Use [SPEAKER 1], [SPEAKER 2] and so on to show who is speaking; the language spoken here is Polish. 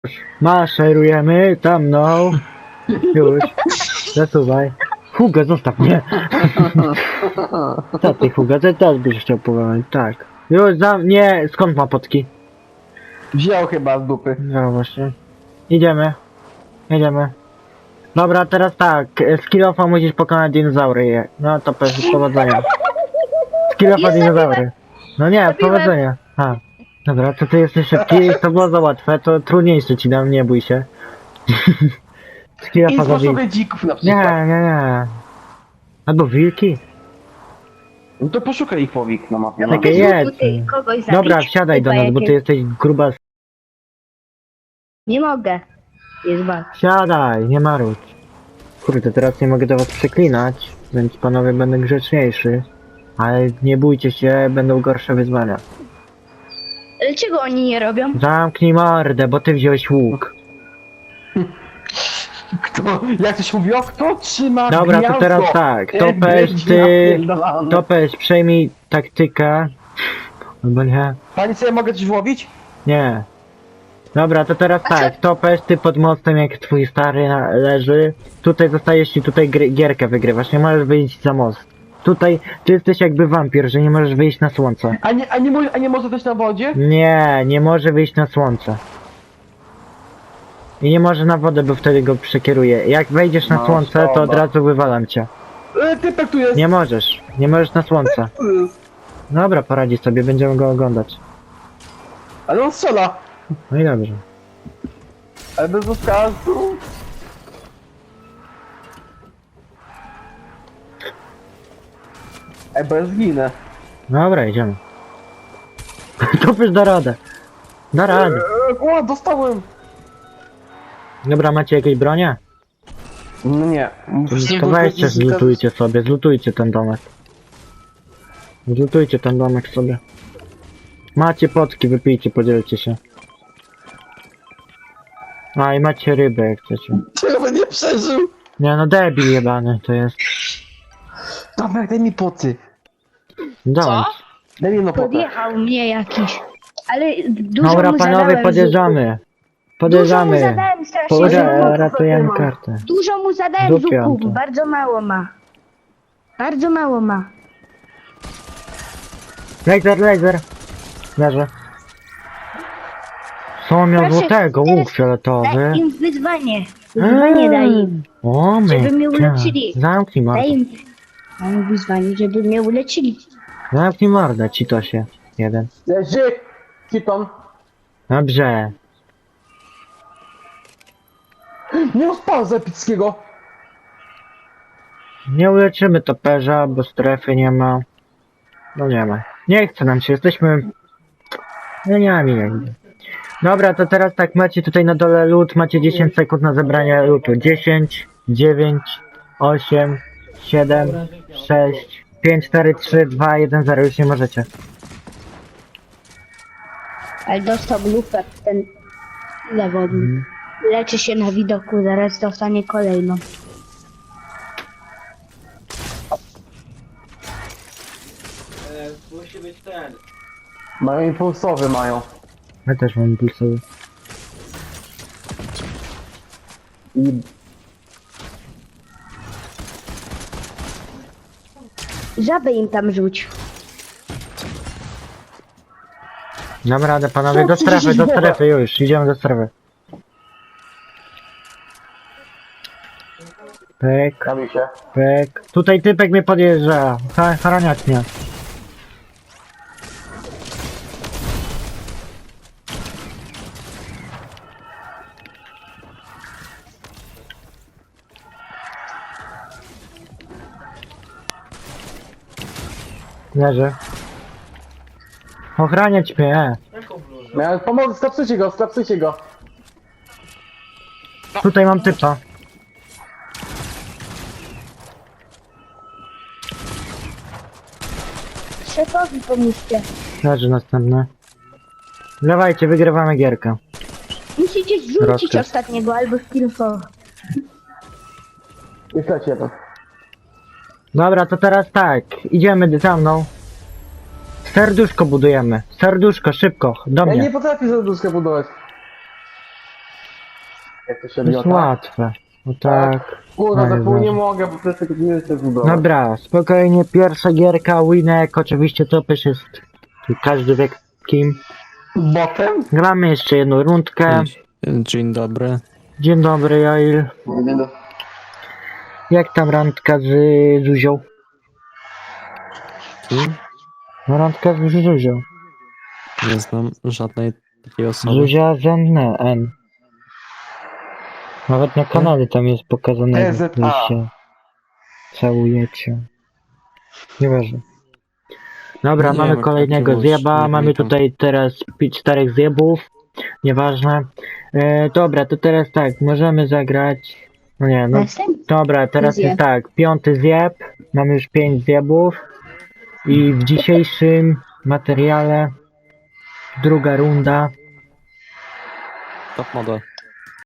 [SPEAKER 1] Maszerujemy tam, no. Już. Zasuwaj. Hugo, zostaw mnie. Co ty, Hugo? Ty też byś chciał powiedzieć. Tak. Już nie, skąd ma potki?
[SPEAKER 2] Wziął chyba z dupy.
[SPEAKER 1] No właśnie. Idziemy. Jedziemy. Dobra, teraz tak. Z kilofa musisz pokonać dinozaury. No to powodzenia. Z kilofa
[SPEAKER 3] Już
[SPEAKER 1] dinozaury. No nie,
[SPEAKER 3] Zabiłem.
[SPEAKER 1] powodzenia. A. Dobra, to ty jesteś szybki, to było za łatwe, to trudniejsze ci dam, nie bój się. Z
[SPEAKER 2] I
[SPEAKER 1] kilofa zabij.
[SPEAKER 2] poszukaj dzików na
[SPEAKER 1] Nie,
[SPEAKER 2] przykład.
[SPEAKER 1] nie. Albo wilki?
[SPEAKER 2] No to poszukaj ich powik na mapie. No.
[SPEAKER 1] Takie
[SPEAKER 3] Mogę
[SPEAKER 1] jest.
[SPEAKER 3] tutaj kogoś zabić?
[SPEAKER 1] Dobra, wsiadaj do
[SPEAKER 3] Chyba
[SPEAKER 1] nas, bo ty
[SPEAKER 3] jakieś-
[SPEAKER 1] jesteś gruba.
[SPEAKER 3] Nie mogę. Jest was.
[SPEAKER 1] Siadaj, nie marudź. Kurde, teraz nie mogę do was przeklinać, więc panowie będę grzeczniejszy. Ale nie bójcie się, będą gorsze wyzwania.
[SPEAKER 3] Ale czego oni nie robią?
[SPEAKER 1] Zamknij mordę, bo ty wziąłeś łuk.
[SPEAKER 2] Kto, jak to się mówiło? Kto trzyma
[SPEAKER 1] Dobra, to
[SPEAKER 2] gniazdo?
[SPEAKER 1] teraz tak,
[SPEAKER 2] Ten będzie napierdolony.
[SPEAKER 1] Topesz, przejmij taktykę. Albo nie.
[SPEAKER 2] Pani co, ja mogę coś łowić?
[SPEAKER 1] Nie. Dobra, to teraz
[SPEAKER 3] A
[SPEAKER 1] tak, Topesz, ty pod mostem jak twój stary leży. Tutaj zostajesz i tutaj gierkę wygrywasz, nie możesz wyjść za most. Tutaj, ty jesteś jakby wampir, że nie możesz wyjść na słońce.
[SPEAKER 2] A nie może też na wodzie?
[SPEAKER 1] Nie może wyjść na słońce. I nie może na wodę, bo wtedy go przekieruje. Jak wejdziesz na
[SPEAKER 2] No,
[SPEAKER 1] słońce, to od
[SPEAKER 2] szkoda.
[SPEAKER 1] razu wywalam cię.
[SPEAKER 2] Typek tu jest.
[SPEAKER 1] Nie możesz na słońce.
[SPEAKER 2] Tu jest.
[SPEAKER 1] Dobra, poradzi sobie, będziemy go oglądać.
[SPEAKER 2] Ale on strzela.
[SPEAKER 1] No i dobrze.
[SPEAKER 2] Ale bez rozkazu. Bo ja zginę.
[SPEAKER 1] Dobra, idziemy. Topesz da radę. Da radę.
[SPEAKER 2] O, dostałem.
[SPEAKER 1] Dobra, macie jakieś bronie?
[SPEAKER 2] No nie.
[SPEAKER 1] To weźcie, zlutujcie ten domek. Zlutujcie ten domek sobie. Macie potki, wypijcie, podzielcie się. A i macie rybę jak chcecie.
[SPEAKER 2] Czego nie przeżył?
[SPEAKER 1] Nie no, debil jebany to jest.
[SPEAKER 2] Dobra, daj mi pocy.
[SPEAKER 1] Dawaj.
[SPEAKER 2] Daj mi no potę.
[SPEAKER 3] Podjechał mnie jakiś. Ale dużo
[SPEAKER 1] Dobra
[SPEAKER 3] mu
[SPEAKER 1] panowie,
[SPEAKER 3] zadałem
[SPEAKER 1] podjeżdżamy.
[SPEAKER 3] Dużo mu
[SPEAKER 1] Podjeżdżamy.
[SPEAKER 3] zadałem strasznie zuków.
[SPEAKER 1] Ratujemy kartę.
[SPEAKER 3] Dużo mu zadałem
[SPEAKER 1] Zup
[SPEAKER 3] zuków.
[SPEAKER 1] piąte.
[SPEAKER 3] Bardzo mało ma. Bardzo mało ma.
[SPEAKER 1] Laser. Leży. Co miał
[SPEAKER 3] Proszę,
[SPEAKER 1] złotego?
[SPEAKER 3] teraz
[SPEAKER 1] Łuk fioletowy.
[SPEAKER 3] Daj im wyzwanie. Wyzwanie daj im.
[SPEAKER 1] O
[SPEAKER 3] Żeby mnie
[SPEAKER 1] my,
[SPEAKER 3] uleczyli.
[SPEAKER 1] zamknij mordę.
[SPEAKER 3] Daj im wyzwanie, żeby mnie uleczyli.
[SPEAKER 1] Zamknij mordę, ci to się. Jeden.
[SPEAKER 2] Leży. Kiton.
[SPEAKER 1] Dobrze.
[SPEAKER 2] Nie rozpal z epickiego.
[SPEAKER 1] Nie uleczymy toperza, bo strefy nie ma. No nie ma. Nie chce nam się, jesteśmy... No nie mam jakby. Dobra, to teraz tak, macie tutaj na dole lód, macie 10 sekund na zebranie lootu. 10, 9, 8, 7, 6, 5, 4, 3, 2, 1, 0. Już nie możecie.
[SPEAKER 3] Ale dostał lufę w ten zawodnik. Leczy się na widoku, zaraz dostanie kolejną.
[SPEAKER 1] Musi być ten.
[SPEAKER 2] Mają impulsowy mają.
[SPEAKER 1] Ja też mam impulsowy.
[SPEAKER 2] I
[SPEAKER 3] Żabę im tam rzuć.
[SPEAKER 1] Dam radę panowie, do strefy już, idziemy do strefy. Pek,
[SPEAKER 2] robi się.
[SPEAKER 1] pek. Tutaj typek mnie podjeżdża. Haraniać mnie. Leży. Ochraniać mnie.
[SPEAKER 2] Miałem pomoc, sklapsujcie go.
[SPEAKER 1] Tutaj mam typa.
[SPEAKER 3] Szefowi pomóżcie.
[SPEAKER 1] Leży następny. Dawajcie, wygrywamy gierkę.
[SPEAKER 3] Musicie zrzucić
[SPEAKER 1] Rozkaz.
[SPEAKER 3] ostatniego albo skillfowa.
[SPEAKER 2] Jest leci jeden.
[SPEAKER 1] Dobra, to teraz tak. Idziemy za mną. Serduszko budujemy. Serduszko, szybko. Do
[SPEAKER 2] Ja
[SPEAKER 1] mnie.
[SPEAKER 2] nie potrafię serduszka budować. Jak to się
[SPEAKER 1] To jest
[SPEAKER 2] idiota.
[SPEAKER 1] łatwe. No tak.
[SPEAKER 2] Kurwa,
[SPEAKER 1] No,
[SPEAKER 2] tak
[SPEAKER 1] jest
[SPEAKER 2] nie mogę, bo to jest tylko nie chcę budować.
[SPEAKER 1] Dobra, spokojnie, pierwsza gierka, Winek, oczywiście Topesz jest każdy wie kim.
[SPEAKER 2] Botem?
[SPEAKER 1] Gramy jeszcze jedną rundkę.
[SPEAKER 4] Dzień dobry.
[SPEAKER 1] Dzień dobry, Jail. Jak tam randka z Zuzią?
[SPEAKER 4] Kim?
[SPEAKER 1] No, randka z Zuzią.
[SPEAKER 4] Nie znam żadnej takiej osoby.
[SPEAKER 1] Zuzia Zenne, N. Nawet na kanale tam jest pokazane,
[SPEAKER 2] EZA.
[SPEAKER 1] że się całujecie. Nieważne. Dobra,
[SPEAKER 4] Nie
[SPEAKER 1] mamy
[SPEAKER 4] ma
[SPEAKER 1] kolejnego
[SPEAKER 4] jakiegoś,
[SPEAKER 1] zjeba,
[SPEAKER 4] nie
[SPEAKER 1] mamy
[SPEAKER 4] pamiętam.
[SPEAKER 1] tutaj teraz 4 zjebów. Nieważne. Dobra, to teraz tak, możemy zagrać. No nie, no
[SPEAKER 3] Jestem?
[SPEAKER 1] dobra, teraz
[SPEAKER 3] Zjeb.
[SPEAKER 1] jest tak, 5. zjeb, mamy już 5 zjebów i w dzisiejszym materiale druga runda.
[SPEAKER 4] Top model.